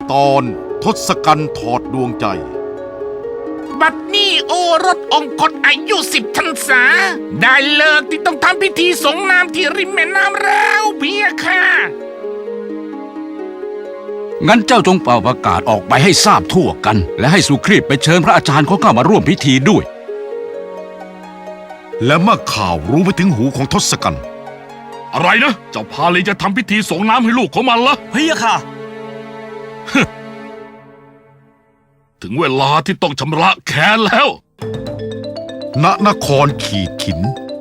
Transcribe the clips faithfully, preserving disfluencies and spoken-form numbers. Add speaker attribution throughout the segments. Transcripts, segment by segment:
Speaker 1: ตอนทศกัณฐ์ถอดดวงใจ
Speaker 2: บัดนี้โอรสองคตอายุสิบพรรษาได้เลิกที่ต้องทำพิธีสงน้ำที่ริมแม่น้ำแล้วเพียค่ะ
Speaker 3: งั้นเจ้าจงเป่าประกาศออกไปให้ทราบทั่วกันและให้สุครีพไปเชิญพระอาจารย์เขาเข้ามาร่วมพิธีด้วย
Speaker 1: และเมื่อข่าวรู้ไปถึงหูของทศกัณฐ์
Speaker 4: อะไรนะเจ้าพาลีจะทำพิธีส่งน้ำให้ลูกของมันเหรอ
Speaker 5: เฮียค่ะ
Speaker 4: ถึงเวลาที่ต้องชำระแค้นแล้ว
Speaker 1: ณนครขีดขิน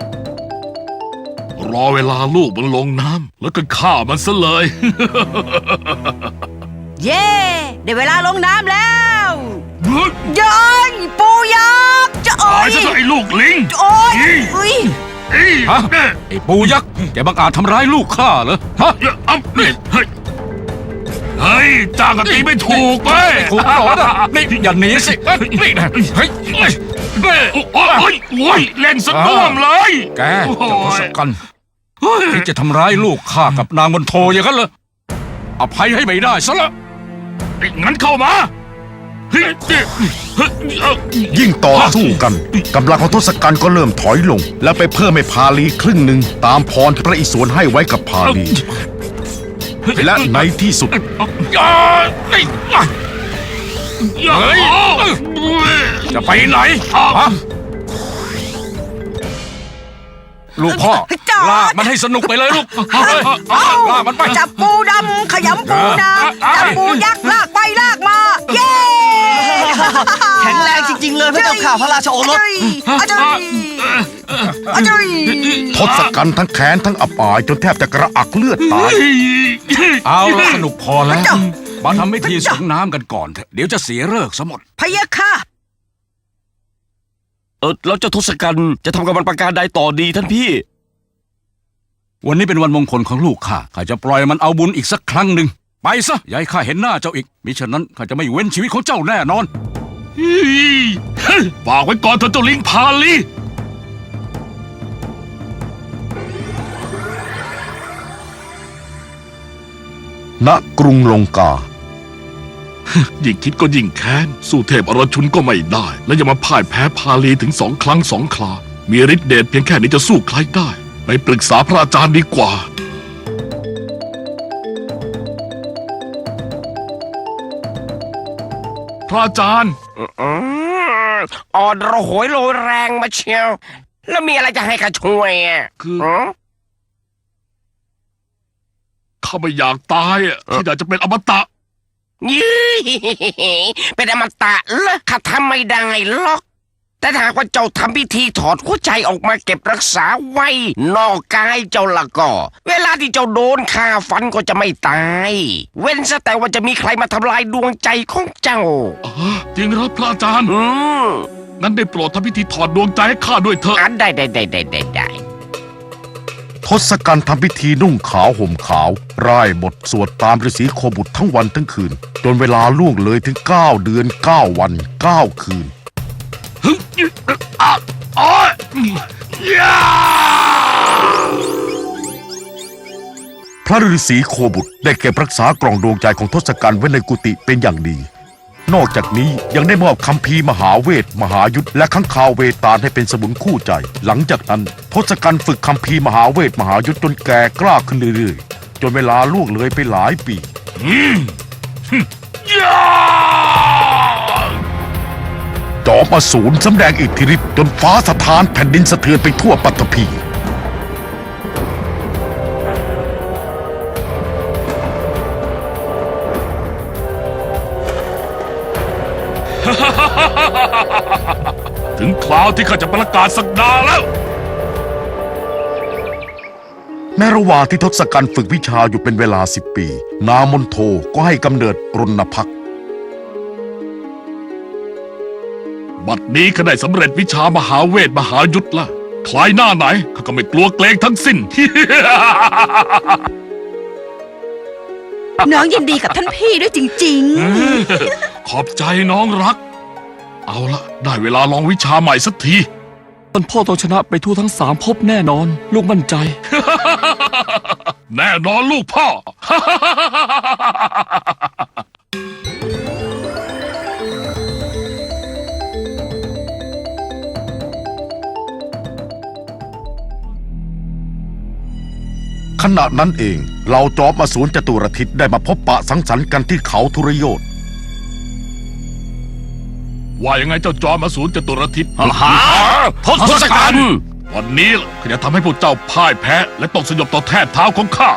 Speaker 4: รอเวลาลูกมันลงน้ำแล้วก็ฆ่ามันซะเลย
Speaker 6: เย่ได้เวลาลงน้ำแล้วยัยปูยักษ์จะโอ้ย
Speaker 4: ตายซะไอ้ลูกลิง
Speaker 6: โอ้ยอุ้ย
Speaker 3: ฮะไอ้ปูยักษ์แกบังอาจทำร้ายลูกข้าเหรอฮะ
Speaker 4: อ๊ะนี่เฮ้ยเฮ้ยจ้างกะตีไม่ถูกเว้ย
Speaker 3: ถูกหรอนะนี่อย่าหนีสินี่นะเฮ้ย
Speaker 4: โอ้ยโอ้ยเล่นสะน่วมเลย
Speaker 3: แกจะทศกัณฐ์ที่จะทำร้ายลูกข้ากับนางมณโฑอย่างนั้นเหรออภัยให้ไม่ได้ซะละ
Speaker 4: งั้นเข้ามา
Speaker 1: ยิ่งต่อสู้กันกำลังของทศกัณฐ์ก็เริ่มถอยลงและไปเพิ่มให้พาลีครึ่งหนึ่งตามพรที่พระอิศวรให้ไว้กับพาลีและในที่สุด
Speaker 3: จะไปไหนลูกพ่อลากมันให้สนุกไปเลยลูกลากมันไป
Speaker 6: จับปูดำขยำปูนาจับปูยักษ์ลากไปลากมาเย้
Speaker 5: แข็งแรงจริงๆเลยพระเจ้าข่าพระราชโอรส
Speaker 1: ทศกัณฐ์ทั้งแค้นทั้งอับอายจนแทบจะกระอักเลือดตาย
Speaker 3: เอาละสนุกพอแล้วมาทำพิธีส่งน้ำกันก่อนเถอะเดี๋ยวจะเสียฤกษ์ซะหมด
Speaker 6: พะยะค่ะ
Speaker 5: เออแล้วเจ้าทศกัณฐ์จะทำกับมันประการใดต่อดีท่านพี่
Speaker 3: วันนี้เป็นวันมงคลของลูกข้าข้าจะปล่อยมันเอาบุญอีกสักครั้งหนึ่งไปซะอย่าให้ข้าเห็นหน้าเจ้าอีกมิฉะนั้นข้าจะไม่เว้นชีวิตของเจ้าแน่นอน
Speaker 4: ฝากไว้ก่อนเถอะเจ้าลิงพาลี
Speaker 1: ณกรุงลงกา
Speaker 4: ยิ่งคิดก็ยิ่งแค้นสู้เทพอรชุนก็ไม่ได้และยังมาพ่ายแพ้พาลีถึงสองครั้งสองครามีฤทธิ์เดชเพียงแค่นี้จะสู้ใครได้ไปปรึกษาพระอาจารย์ดีกว่าพระอาจารย์
Speaker 2: อ่อนระหวยโรยแรงมาเชียวแล้วมีอะไรจะให้ข้าช่วยอ่ะ
Speaker 4: คือข้าไม่อยากตายอ่ะข้าอยากจะเป็นอมตะ
Speaker 2: ยี่เป็นอมตะเหรอข้าทำไม่ได้หรอกแต่หากว่าเจ้าทำพิธีถอดหัวใจออกมาเก็บรักษาไว้นอกกายเจ้าละก็เวลาที่เจ้าโดนฆ่าฟันก็จะไม่ตายเว้นซะแต่ว่าจะมีใครมาทำลายดวงใจของเจ้า
Speaker 4: อ๋อจริงครับพระอาจารย์
Speaker 2: อืม
Speaker 4: งั้นได้โปรดทำพิธีถอดดวงใจให้ข้าด้วยเถอะ
Speaker 2: อันได้ได้ได้ได้ได้ได้
Speaker 1: ทศกัณฐ์ทำพิธีนุ่งขาวห่มขาวร่ายบทสวดตามฤาษีโคบุตรทั้งวันทั้งคืนจนเวลาล่วงเลยถึงเก้าเดือนเก้าวันเก้าคืนพระฤาษีโคบุตรได้เก็บรักษากล่องดวงใจของทศกัณฐ์ไว้ในกุฏิเป็นอย่างดีนอกจากนี้ยังได้มอบคัมภีร์มหาเวทมหายุทธและขังคาวเวตาลให้เป็นสมุนคู่ใจหลังจากนั้นทศกัณฐ์ฝึกคัมภีร์มหาเวทมหายุทธจนแก่กล้าขึ้นเรื่อยๆจนเวลาล่วงเลยไปหลายปีจอมอสูรสำแดงอิทธิฤทธิ์จนฟ้าสะท้านแผ่นดินสะเทือนไปทั่วปฐพี
Speaker 4: ถึงคราวที่ข้าจะประกาศศักดาแล้ว
Speaker 1: ในระหว่างที่ทศกัณฐ์ฝึกวิชาอยู่เป็นเวลาสิบปีนางมณโฑก็ให้กำเนิดรณพักษ์
Speaker 4: บัดนี้ข้าได้สำเร็จวิชามหาเวทมหายุทธละคล้ายหน้าไหนข้าก็ไม่กลัวเกรงทั้งสิ้น
Speaker 6: น้องยินดีกับท่านพี่ด้วยจริง
Speaker 4: ๆขอบใจน้องรักเอาละได้เวลาลองวิชาใหม่สักทีท่านพ่อต้องชนะไปทั่วทั้งสามภพแน่นอนลูกมั่นใจ แน่นอนลูกพ่อ
Speaker 1: ณะนั้นเองเราจอมอสูรจตุรทิศได้มาพบปะสังสรรค์กันที่เขาทุรโยธ
Speaker 4: ว่ายังไงเจ้าจอมอสูรจตุรทิศ
Speaker 2: หาทศกัณฐ์
Speaker 4: วันนี้ล่ะข้าจะทำให้พวกเจ้าพ่ายแพ้ และตกสยบต่อแทบเท้าของข้า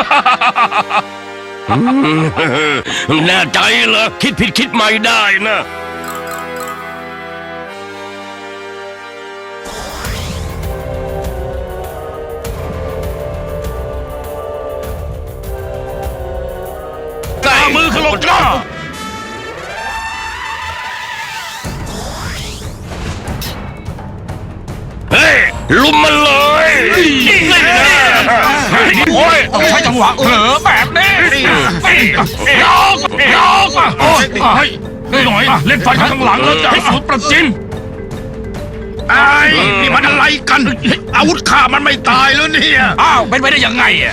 Speaker 2: แน่ใจเหรอคิดผิดคิดใหม่ได้นะกล้ามือขลบจ้าเฮ้ยลุมมันเลยโอ้ยต้องใช้จังหวะเผลอแบบนี้ยกยกโอ้ยหน่อยเล่นไฟข้างหลังแล้วจะให้สูตรประจินไอ้นี่มันอะไรกัน อาวุธข้ามันไม่ตายแล้วเนี่ยอ้าวเป็นไปได้ยังไงอ่ะ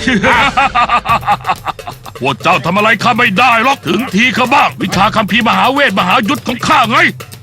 Speaker 4: พวกเจ้าทำอะไรข้าไม่ได้หรอกถึงทีข้าบ้าง วิชาคัมภีร์มหาเวทมหายุทธของข้าไง